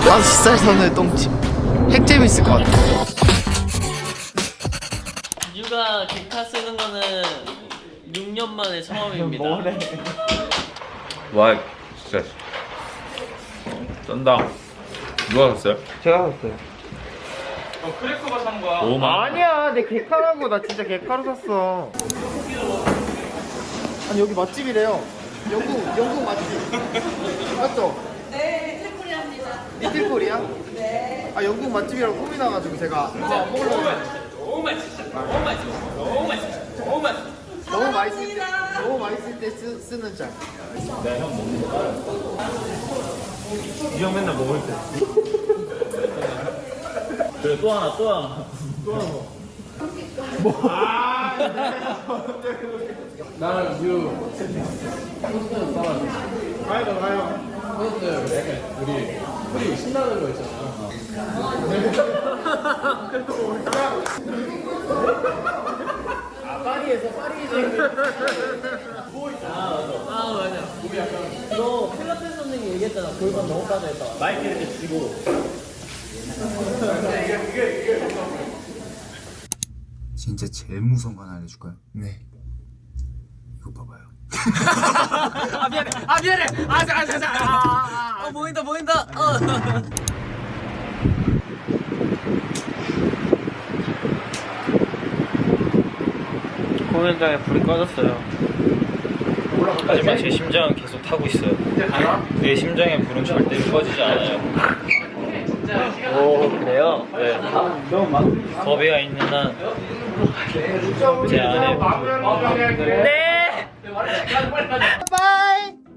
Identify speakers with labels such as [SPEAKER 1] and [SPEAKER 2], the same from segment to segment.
[SPEAKER 1] 5살 선을 똥집. 핵 재밌을 것 같아.
[SPEAKER 2] 유가 기타 쓰는 거는 6년 만에 처음입니다.
[SPEAKER 3] 와 진짜 쩐다. 누가 샀어요?
[SPEAKER 1] 제가 샀어요.
[SPEAKER 3] 크래커가 산 거야. 너무 많아.
[SPEAKER 1] 아니야, 내 개카라고. 나 진짜 개카로 샀어. 아니 여기 맛집이래요. 영국 맛집. 맞죠? 네, 리틀코리아입니다. 리틀코리아? 네. 아 영국 맛집이라고 소리 나가지고 제가 먹으려고.
[SPEAKER 2] 너무 맛있어. 너무 맛있어. 너무 맛있어. 너무 맛있어.
[SPEAKER 1] 너무 맛있을 때 쓰는 짤.
[SPEAKER 3] 이 형 맨날 먹을 때. 그래 또 하나.
[SPEAKER 4] 나는 유 가요. 우리 신나는 거 있잖아. 파리에서 파리에서
[SPEAKER 2] 맞아. 너 필라테스 선생님 얘기했잖아. 골반 너무 빠져있다. 마이크 이렇게 쥐고.
[SPEAKER 5] 진짜 제일 무서운 거 하나 알려줄까요? 네. 이거 봐봐요.
[SPEAKER 1] 미안해.
[SPEAKER 2] 보인다. 공연장에 불이 꺼졌어요. 하지만 제 심장은 계속 타고 있어요. 내 심장의 불은 절대로 꺼지지 않아요. 오 그래요? 네. 겁이가 있는 한 제 안에 네.
[SPEAKER 1] 바이.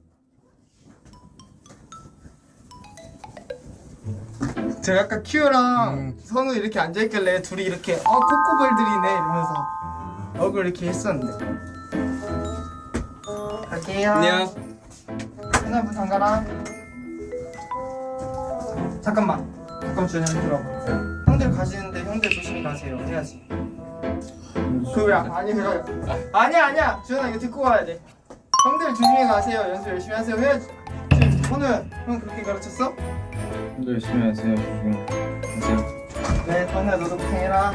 [SPEAKER 1] 제가 아까 큐랑 선우 이렇게 앉아있길래 둘이 이렇게 코코볼들이네 이러면서 얼굴 이렇게 했었는데. 갈게요. 안녕. 현아 문 잠가라. 잠깐 주연이 들어봐. 형들 가시는데 형들 조심히 가세요 해야지. 아니야 주연아 이거 듣고 가야 돼. 형들 조심히 가세요. 연습 열심히 하세요 해야지. 선우 형 그렇게 가르쳤어?
[SPEAKER 3] 형도 열심히 하세요. 조심히 하세요.
[SPEAKER 1] 네 선우야 너도 고생해라.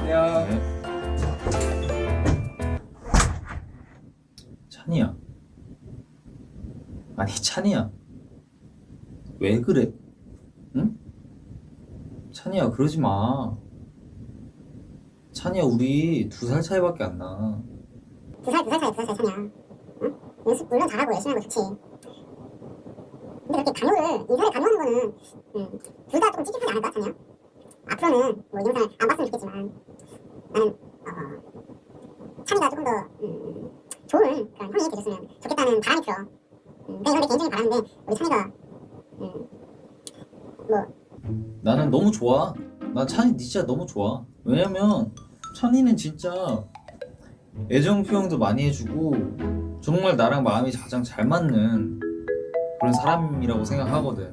[SPEAKER 3] 찬이야. 아니 찬이야. 왜 그래? 응? 찬이야 그러지 마. 찬이야 우리 2살 차이밖에 안 나.
[SPEAKER 6] 2살 차이야 찬이야. 응? 연습 물론 잘하고 열심히 하는 거 좋지. 근데 그렇게 인사를 강요하는 거는 둘 다 조금 찝찝하지 않을까 찬이야? 앞으로는 뭐 영상을 안 봤으면 좋겠지만 나는 찬이가 조금 더 좋은 그런 형이 되셨으면 좋겠다는 바람이 들어. 그냥 이건 내 개인적인 바람인데 우리 찬이가
[SPEAKER 3] 나는 너무 좋아. 난 찬이 진짜 너무 좋아. 왜냐면 찬이는 진짜 애정 표현도 많이 해주고 정말 나랑 마음이 가장 잘 맞는 그런 사람이라고 생각하거든.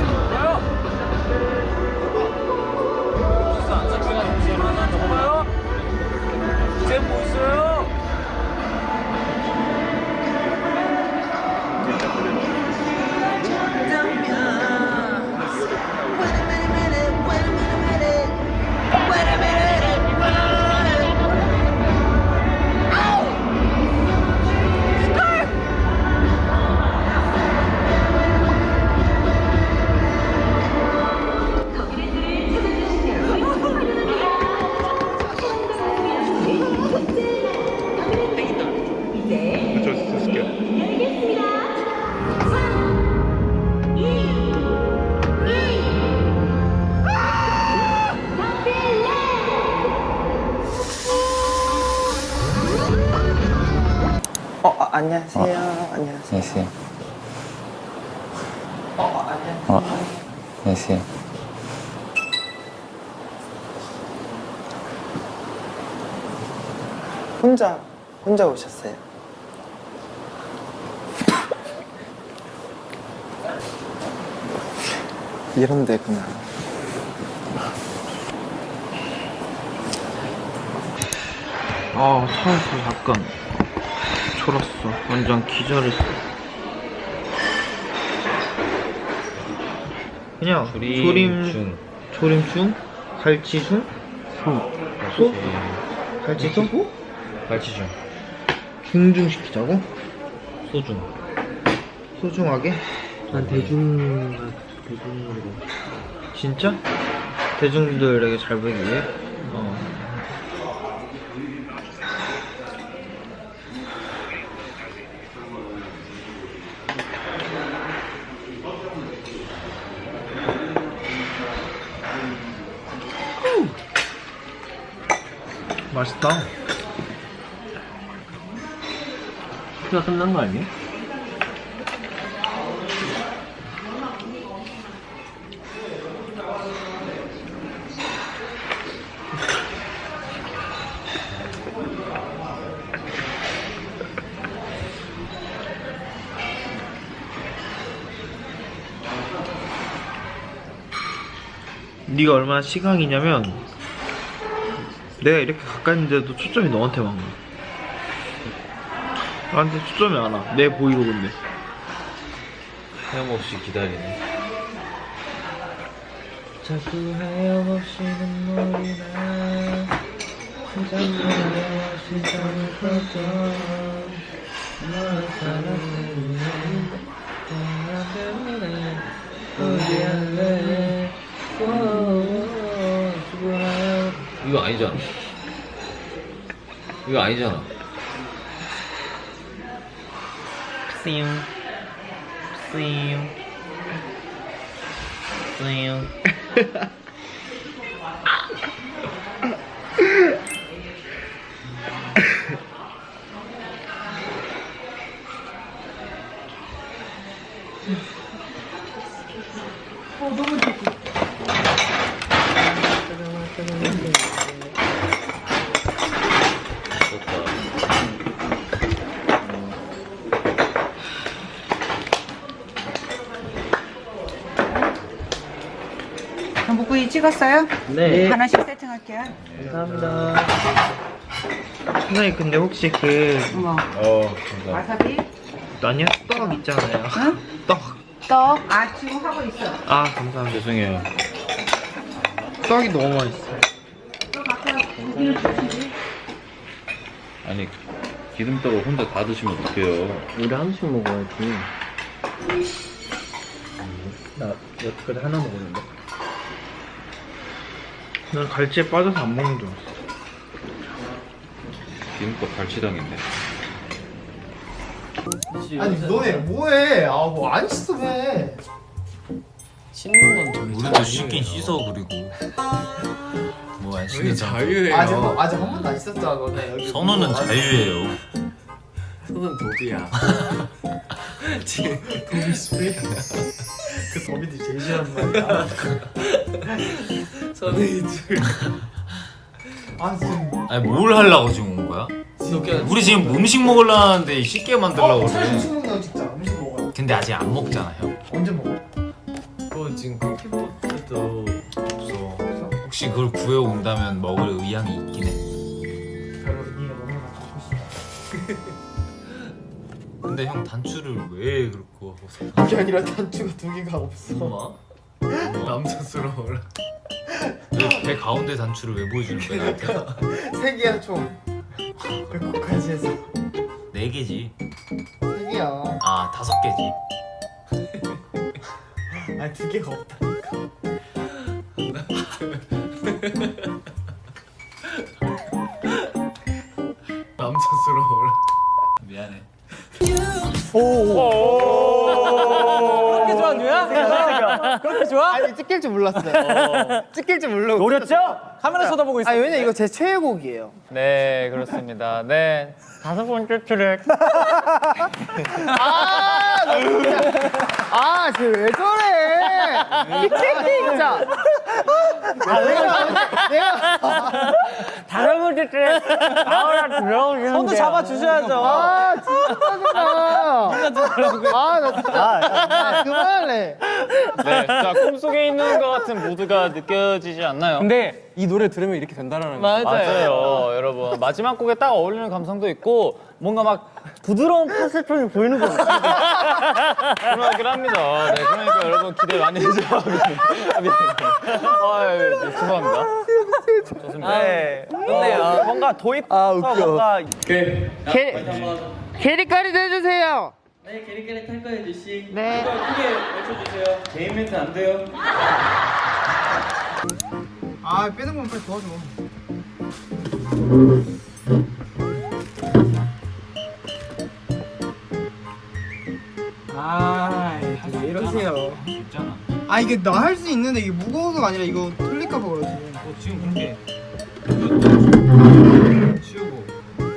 [SPEAKER 1] 안녕하세요. 안녕하세요.
[SPEAKER 3] 안녕하세요.
[SPEAKER 1] 혼자 오셨어요? 이런 데구나.
[SPEAKER 2] 차에서 약간 졸았어. 완전 기절했어.
[SPEAKER 1] 그냥 조림중, 갈치중, 소? 갈치소?
[SPEAKER 2] 갈치중.
[SPEAKER 1] 중중 시키자고?
[SPEAKER 2] 소중.
[SPEAKER 1] 소중하게?
[SPEAKER 4] 난 대중으로.
[SPEAKER 1] 진짜? 대중들에게 잘 보이기 위해? 맛있다.
[SPEAKER 4] 수가 끝난 거 아니야?
[SPEAKER 1] 네가 얼마나 시강이냐면 내가 이렇게 가까이 있는데도 초점이 너한테만 가. 나한테 초점이 안 와. 내 브이로그인데.
[SPEAKER 2] 헤엄없이 기다리네.
[SPEAKER 3] 자꾸 하염없이 눈물이 나 자꾸 하염없이 잠을 꿨죠 너의 사랑을 나 때문에 어디 할래 이거 아니잖아. 이거 아니잖아.
[SPEAKER 1] 뿌잉 뿌잉 뿌잉.
[SPEAKER 7] 전복구이 찍었어요?
[SPEAKER 4] 네.
[SPEAKER 7] 하나씩 세팅할게요.
[SPEAKER 4] 감사합니다.
[SPEAKER 1] 선생님 근데 혹시 그
[SPEAKER 7] 어머,
[SPEAKER 2] 감사합니다.
[SPEAKER 7] 와사비,
[SPEAKER 1] 아니야? 떡 있잖아요.
[SPEAKER 7] 응?
[SPEAKER 1] 떡.
[SPEAKER 7] 떡, 지금 하고 있어.
[SPEAKER 1] 아 감사합니다.
[SPEAKER 2] 죄송해요.
[SPEAKER 1] 떡이 너무 맛있어.
[SPEAKER 7] 떡 아까 고기를 주시지.
[SPEAKER 2] 아니 기름떡을 혼자 다 드시면 어떡해요.
[SPEAKER 4] 우리 한씩 먹어야지. 나 여태까지 하나 먹었는데.
[SPEAKER 1] 난 갈치에 빠져서 안 먹는 줄 알았어.
[SPEAKER 2] 기름떡 갈치당했네.
[SPEAKER 1] 아니 너네 뭐해? 뭐 안 씻으면
[SPEAKER 4] 씻는 건 저희
[SPEAKER 3] 우리도 씻긴 씻어 그리고 뭐 안 씻는
[SPEAKER 4] 자유예요.
[SPEAKER 1] 아직 한 번도 안 씻었잖아 너네. 여기
[SPEAKER 3] 선우는 자유예요.
[SPEAKER 4] 손은 도비야.
[SPEAKER 1] 도비 스프레이. 그 도비들이 제일 싫어하는 말이야.
[SPEAKER 4] 손은 이제
[SPEAKER 1] 아 지금
[SPEAKER 3] 아니 뭘 하려고 지금 온 거야? 우리 지금 음식 먹으려는데 씻게 만들려고 그래.
[SPEAKER 1] 음식 먹는 진짜 음식 먹어요.
[SPEAKER 3] 근데 아직 안 먹잖아 형.
[SPEAKER 1] 언제 먹어?
[SPEAKER 4] 뭐 지금 쿠키포트도
[SPEAKER 3] 없어. 혹시 그걸 구해 온다면 먹을 의향이 있긴 해.
[SPEAKER 1] 별로 네가 먹는 거 갖고 싶어.
[SPEAKER 3] 근데 형 단추를 왜 그렇게 하고 사?
[SPEAKER 1] 그게 아니라 단추가 두 개가 없어.
[SPEAKER 3] 엄마?
[SPEAKER 4] 남자스러워라.
[SPEAKER 3] 왜 배 가운데 단추를 왜 보여주는 거야 나한테?
[SPEAKER 1] 세 개야 총. 100호까지 해서
[SPEAKER 3] 4개지.
[SPEAKER 1] 세 개야.
[SPEAKER 3] 아 5개지.
[SPEAKER 1] 아니 두 개가 없다니까.
[SPEAKER 4] 남자스러워라.
[SPEAKER 3] 미안해.
[SPEAKER 4] 그렇게 좋아, 누야? 그렇게 좋아?
[SPEAKER 1] 아니 찍힐 줄 몰랐어요. 찍힐 줄 모르고.
[SPEAKER 4] 노렸죠? 카메라 쳐다보고 있어.
[SPEAKER 1] 아 왜냐 이거 제 최애곡이에요.
[SPEAKER 4] 네, 그렇습니다. 네. 5번째 트랙.
[SPEAKER 1] 쟤왜 저래? 진짜. 내가
[SPEAKER 4] 할아버지 때 아우라 들어오시는데
[SPEAKER 8] 손도 잡아주셔야죠.
[SPEAKER 1] 아 진짜 짜증나. 아나 진짜 그만할래.
[SPEAKER 2] 네, 진짜 꿈속에 있는 것 같은 모드가 느껴지지 않나요?
[SPEAKER 8] 근데 이 노래 들으면 이렇게 된다는 거.
[SPEAKER 2] 맞아요, 여러분. 마지막 곡에 딱 어울리는 감성도 있고 뭔가 막 부드러운 파스톤이 보이는 것 같아요. 그러긴 합니다. 네, 그러니까 여러분 기대 많이 해주세요. 죄송합니다. 좋습니다.
[SPEAKER 8] 네. 근데 뭔가 도입 뭔가
[SPEAKER 1] 캐리까지 해주세요.
[SPEAKER 2] 네, 게리게리 탈 거예요, 주씨.
[SPEAKER 1] 네.
[SPEAKER 2] 이거 크게 외쳐주세요. 개인 멘트 안 돼요.
[SPEAKER 1] 아 빼는 건 빨리 도와줘. 왜 이러세요?
[SPEAKER 2] 있잖아.
[SPEAKER 1] 아 이게 나 할 수 있는데 이게 무거워서가 아니라 이거 틀릴까봐 그러지.
[SPEAKER 2] 지금 그렇게 치우고.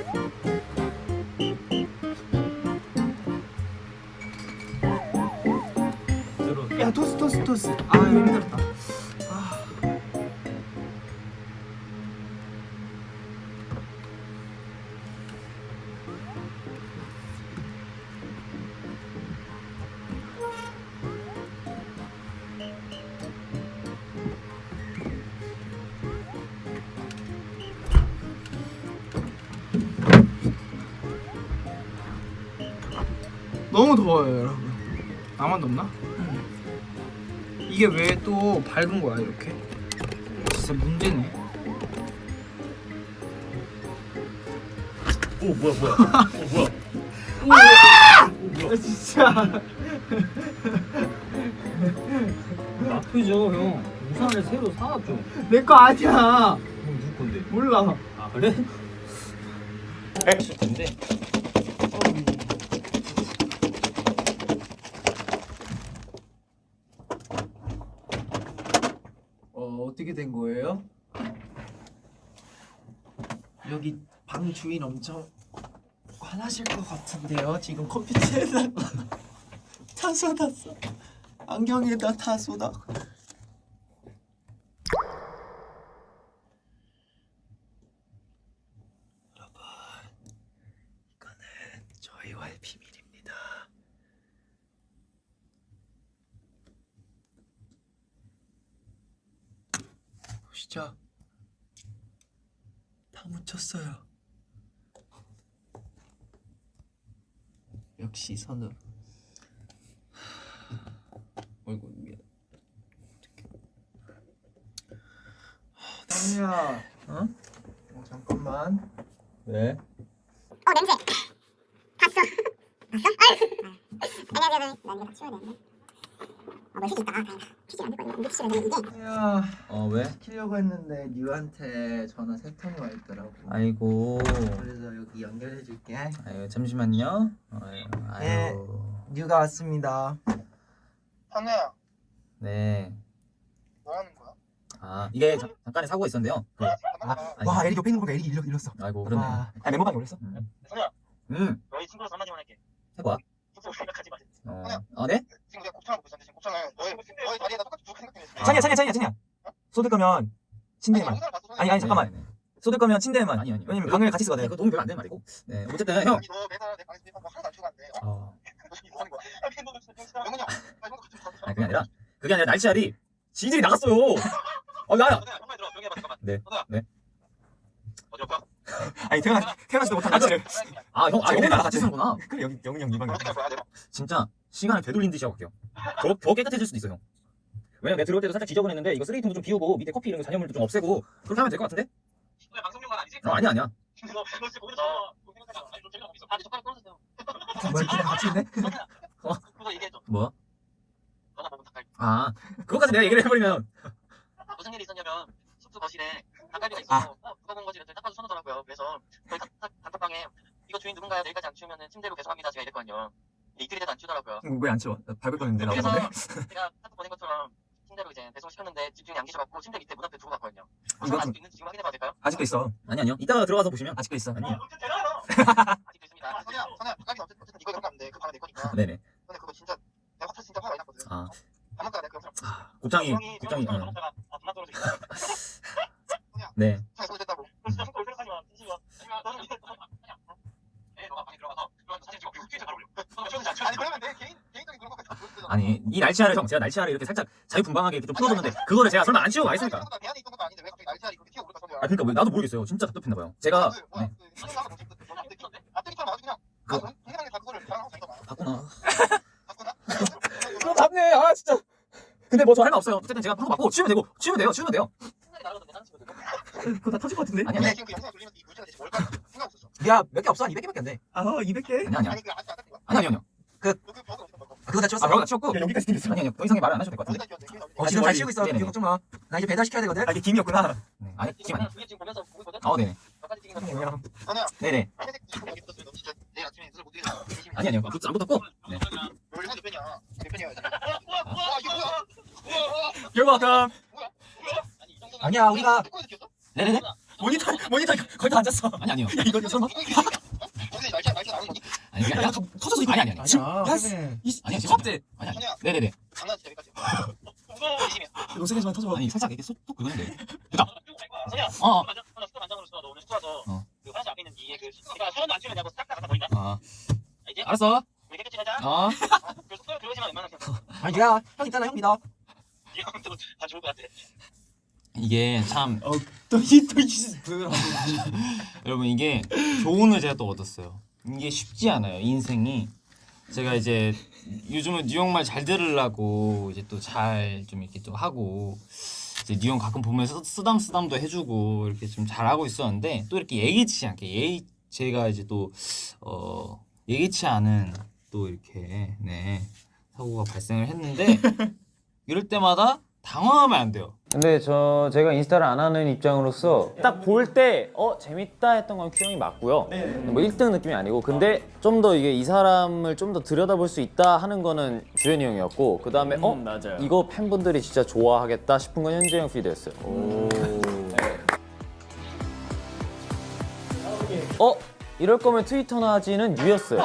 [SPEAKER 1] 야 토스. 아 힘들었다. 너무 더워요 여러분. 나만 덥나? 이게 왜 또 밝은 거야 이렇게? 진짜 문제네.
[SPEAKER 2] 오, 뭐야.
[SPEAKER 1] 아 진짜.
[SPEAKER 2] 나쁘죠, 형. 우산을 새로 사왔죠.
[SPEAKER 1] 내 거 아니야.
[SPEAKER 2] 누구 건데?
[SPEAKER 1] 몰라.
[SPEAKER 2] 아, 그래? 근데
[SPEAKER 5] 어떻게 된 거예요? 여기 방 주인 엄청 화나실 것 같은데요. 지금 컴퓨터에다 다 쏟았어. 안경에다 다 쏟아. 여러분, 이거는 저희와의 비밀입니다. 보시죠. 다 묻혔어요. 역시 선우. 어이구 미안. 남이야. 어? 잠깐만.
[SPEAKER 3] 왜?
[SPEAKER 6] 냄새. 봤어. 봤어? 아니. 나 이거 다 치워야 되는데. 멀티 있다. 다행이다. 피지 않을 거야. 근데 치워야 되는데 이게.
[SPEAKER 5] 야,
[SPEAKER 3] 왜?
[SPEAKER 5] 시키려고 했는데 뉴한테 전화 3통이 와 있더라고.
[SPEAKER 3] 아이고.
[SPEAKER 5] 그래서 여기 연결해 줄게.
[SPEAKER 3] 아유, 잠시만요.
[SPEAKER 5] 네. 뉴가 왔습니다.
[SPEAKER 1] 한우야
[SPEAKER 3] 네.
[SPEAKER 1] 뭐 하는 거야?
[SPEAKER 3] 아, 이게 잠깐의 사고가 있었는데요. 아니,
[SPEAKER 5] 와, 에릭 옆에 있는 거니까 에릭이 잃었어.
[SPEAKER 3] 아이고, 그러네.
[SPEAKER 5] 아, 메모방에 올렸어?
[SPEAKER 1] 선우야
[SPEAKER 3] 너희
[SPEAKER 1] 친구로서 한마디만 할게.
[SPEAKER 3] 해봐.
[SPEAKER 1] 숙소 생각하지 마.
[SPEAKER 3] 네?
[SPEAKER 1] 지금 내가 곱창을 먹고 있었는데 지금 곱창을 너의 다리에다 똑같이 쭉 생각해.
[SPEAKER 5] 찬이야. 쏟을 거면 침대에만. 아니 잠깐만.
[SPEAKER 3] 네.
[SPEAKER 5] 쏟을 거면 침대에만.
[SPEAKER 3] 아니.
[SPEAKER 5] 왜냐면 방을 같이 쓰거든.
[SPEAKER 3] 이거 도움 별로 안 되는 말이고. 네, 어쨌든 형.
[SPEAKER 1] 너 매달 내 방에서 뭐 하나도 안 치고 갔는데. 너 지금 뭐 하는 거야? 영훈이 형. 아 형도 같이
[SPEAKER 3] 아니, 그게 아니라 날씨알이 지들이 나갔어요. 나야.
[SPEAKER 1] 형만 들어. 조용히 해봐 잠깐만.
[SPEAKER 3] 네.
[SPEAKER 1] 선우야. 어디 갈 거야?
[SPEAKER 5] 아니 태어나지도 못한 날씨를.
[SPEAKER 3] 형이랑 같이 쓰는구나.
[SPEAKER 5] 그래 영훈이 형 네 방에.
[SPEAKER 1] 어디 갈 거야 내가?
[SPEAKER 3] 진짜 시간을 되돌린 듯이 하고 갈게요. 더 깨끗해질 수도 있어요. 왜냐면 내가 들어올 때도 살짝 지저분했는데 이거 쓰레기통도 좀 비우고 밑에 커피 이런 거 잔여물도 좀 없애고 그렇게 하면 될 것 같은데?
[SPEAKER 1] 너네 방송용관 아니지?
[SPEAKER 3] 아니야.
[SPEAKER 1] 너 진짜 모르잖아. 아니 너 재미가 없어. 아 젓가락 떨어졌어요.
[SPEAKER 5] 뭘 그냥 같이 있네?
[SPEAKER 1] 그거 얘기해줘.
[SPEAKER 3] 뭐?
[SPEAKER 1] 너나 먹으면 닭갈비.
[SPEAKER 3] 아, 그거까지 내가 얘기를 해버리면
[SPEAKER 1] 무슨 일이 있었냐면 숙소 거실에 닭갈비가 있어서 누가 본 거지? 그랬더니 딱 봐도 선우더라고요. 그래서 저희 단톡방에 이거 주인 누군가요? 내일까지 안 치우면 침대로 계속합니다. 제가 이랬거든요. 이틀이 돼도 안 치우더라고요.
[SPEAKER 5] 왜 안 치워? 나 밟을 뻔했는데
[SPEAKER 1] 그래서
[SPEAKER 5] 나오는데.
[SPEAKER 1] 제가 카톡 보낸 것처럼 침대로 이제 배송 시켰는데 집중이 안 계셔갖고 침대 밑에 문 앞에 두고 갔거든요.
[SPEAKER 5] 이거
[SPEAKER 1] 아직도 있는지 지금 확인해봐도 될까요?
[SPEAKER 5] 아직도 있어.
[SPEAKER 3] 아니요. 이따가 들어가서 보시면
[SPEAKER 5] 아직도 있어.
[SPEAKER 3] 아니에요.
[SPEAKER 1] 아직도 있습니다. 선우야, 닭갈비 어쨌든 이거 이런 거 하면 돼. 그 방에 내 거니까.
[SPEAKER 3] 네네.
[SPEAKER 1] 근데 그거 진짜 내가 진짜 화가 많이 났거든.
[SPEAKER 3] 아,
[SPEAKER 1] 안 먹다가 내가 그 영상
[SPEAKER 3] 곱창이
[SPEAKER 1] 그만 떨어지겠다.
[SPEAKER 3] 네.
[SPEAKER 1] 자, 손 됐다고.
[SPEAKER 3] 아니 이 날치알을 형 제가 날치알을 이렇게 살짝 자유분방하게 이렇게 좀 풀어줬는데 그거를 제가 설마 안 치우고 가겠습니까?
[SPEAKER 1] 배안에 있던 것도 아닌데 왜 갑자기 날짜리 그렇게 튀어오를까 선우야.
[SPEAKER 3] 아 그러니까 뭐 나도 모르겠어요. 진짜 답답했나봐요. 제가 네.
[SPEAKER 1] 앞뒤처럼 아주 그냥 동생한테 다 그거를 자랑하고 다니더만.
[SPEAKER 3] 봤구나.
[SPEAKER 1] 바꾸나?
[SPEAKER 3] 그거 답네. 아 진짜. 근데 뭐 저 할 말 없어요. 어쨌든 제가 한거 맞고 치우면 돼요. 치우면 돼요.
[SPEAKER 1] 생각이 나가서 내 사진 찍어도
[SPEAKER 3] 그거 다 터질 것 같은데? 아니야.
[SPEAKER 1] 지금 그 영상 돌리면서 이 물질은 대체 뭘까 생각 없었어.
[SPEAKER 3] 야 몇 개 없어? 한 200개밖에 안 돼.
[SPEAKER 8] 아 200개?
[SPEAKER 3] 아니야.
[SPEAKER 1] 아니 그 아직 안 닦은 거야?
[SPEAKER 3] 아니야.
[SPEAKER 1] 그 벽을 어디다 닦아?
[SPEAKER 3] 그거 다 치웠어. 아, 벽 다 치웠고.
[SPEAKER 8] 여기까지 생겼어.
[SPEAKER 3] 아니야. 더 이상의 말을 안 하셔도 될 것 같은데.
[SPEAKER 1] 어디다 끼웠대?
[SPEAKER 3] 지금 잘 치우고 있어. 걱정 마. 나 이제 배달 시켜야 되거든.
[SPEAKER 8] 이게 김이었구나.
[SPEAKER 3] 네. 아니 김 아니야.
[SPEAKER 1] 그게 지금 보면서 보고 있거든?
[SPEAKER 3] 네네.
[SPEAKER 1] 몇 가지 찍은 거 같아. 선우야
[SPEAKER 3] 네네.
[SPEAKER 1] 회색 이거 여기 붙었으면 너 진짜 내일 아침에 눈을 못 뜨겠다.
[SPEAKER 3] 아니야. 그거 안 붙었고. 네.
[SPEAKER 1] 원래 몇 편이야? 몇 편이야? 와 이거 뭐야?
[SPEAKER 8] 결과감.
[SPEAKER 1] 아니 이 정도면
[SPEAKER 3] 아니야, 우리가-
[SPEAKER 1] 축구에서 켰어?
[SPEAKER 3] 네네네.
[SPEAKER 8] 모니터 거의 다 앉았어.
[SPEAKER 3] 아니요.
[SPEAKER 8] 야 이거 설마?
[SPEAKER 1] 거기서 날짜 나오는 거니?
[SPEAKER 3] 아니 그게 아니라
[SPEAKER 8] 터져서 이거.
[SPEAKER 3] 아니.
[SPEAKER 8] 지금
[SPEAKER 3] 아니야.
[SPEAKER 8] 아니야
[SPEAKER 3] 컵대. 아니야.
[SPEAKER 1] 선우야
[SPEAKER 3] 네네네.
[SPEAKER 1] 장난치자 여기까지. 진심이야.
[SPEAKER 8] 노세게지만 터져.
[SPEAKER 3] 아니 살짝 이렇게 쏙 긁었는데. 됐다.
[SPEAKER 1] 선우야
[SPEAKER 3] 어.
[SPEAKER 1] 선우야 숙소 반장으로 있어. 너 오늘 숙소 와서
[SPEAKER 3] 어.
[SPEAKER 1] 그 화장실 앞에 있는 니의 그 내가 서원도 안 치우냐고 싹 다 갖다 버린다.
[SPEAKER 3] 아.
[SPEAKER 1] 알지?
[SPEAKER 3] 알았어.
[SPEAKER 1] 우리 깨끗이 하자.
[SPEAKER 3] 어.
[SPEAKER 1] 그 숙소에 들어오지만 웬만하면
[SPEAKER 8] 아니 야, 형 있잖아, 형 믿어.
[SPEAKER 1] 이 형도 다 좋을 것 같아.
[SPEAKER 3] 이게 참
[SPEAKER 8] 또 부드러워.
[SPEAKER 3] 여러분 이게 교훈을 제가 또 얻었어요. 이게 쉽지 않아요. 인생이. 제가 이제 요즘은 뉴욕말 잘 들으려고 이제 또 잘 좀 이렇게 또 하고 이제 뉴욕 가끔 보면서 쓰담쓰담도 해주고 이렇게 좀 잘하고 있었는데 또 이렇게 예기치 않게 제가 이제 또 예기치 않은 또 이렇게 네 사고가 발생을 했는데 이럴 때마다 당황하면 안 돼요.
[SPEAKER 2] 근데 제가 인스타를 안 하는 입장으로서 딱 볼 때 재밌다 했던 건 큐형이 맞고요. 뭐 1등 느낌이 아니고 근데 좀 더 이게 이 사람을 좀 더 들여다볼 수 있다 하는 거는 주현이 형이었고 그 다음에
[SPEAKER 8] 맞아요.
[SPEAKER 2] 이거 팬분들이 진짜 좋아하겠다 싶은 건 현재 형 피드였어요. 이럴 거면 트위터나 하지는 유였어요.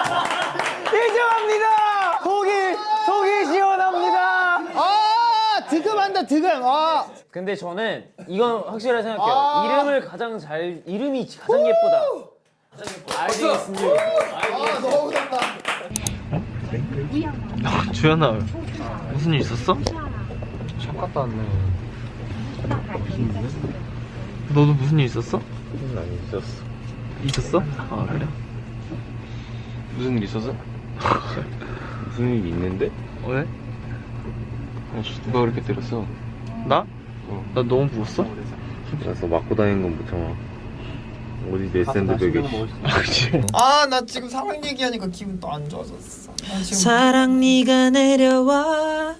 [SPEAKER 8] 인정합니다. 속이 시원합니다.
[SPEAKER 9] 득음한다 득음.
[SPEAKER 2] 근데 저는 이건 확실하게 생각해요. 이름이 가장 예쁘다. 알겠습니다.
[SPEAKER 9] 너무 잘한다.
[SPEAKER 8] 주연아, 무슨 일 있었어?
[SPEAKER 2] 샵 갔다 왔네.
[SPEAKER 8] 너도 무슨 일 있었어?
[SPEAKER 2] 난 있었어.
[SPEAKER 8] 있었어? 아 그래?
[SPEAKER 2] 무슨 일 있었어? 무슨 일 있는데?
[SPEAKER 8] 왜?
[SPEAKER 2] 누가 그렇게 때렸어?
[SPEAKER 8] 나? 나 너무 부었어?
[SPEAKER 2] 가서 맞고 다니는 건 못 참아. 어디 내 샌드백에.
[SPEAKER 9] 나 지금 사랑 얘기하니까 기분 또 안 좋아졌어.
[SPEAKER 10] 사랑 네가 내려와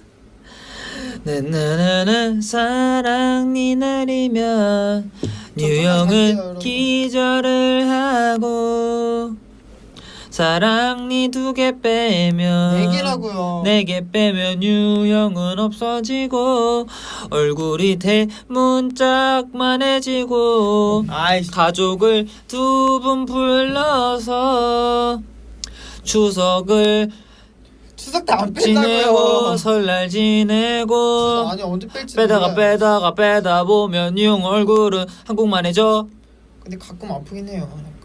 [SPEAKER 10] 나나나나 사랑 네 내리면 뉴형은 기절을 하고 사랑 네 2개 빼면
[SPEAKER 9] 4개라고요.
[SPEAKER 10] 4개 빼면 유형은 없어지고 얼굴이 대문짝만해지고 가족을 2분 불러서 추석을
[SPEAKER 9] 추석 때 안
[SPEAKER 10] 지내고
[SPEAKER 9] 뺀다고요.
[SPEAKER 10] 설날 지내고
[SPEAKER 9] 아니 언제 뺄지
[SPEAKER 10] 빼다 보면 유형 얼굴은 한국만해져.
[SPEAKER 9] 근데 가끔 아프긴 해요.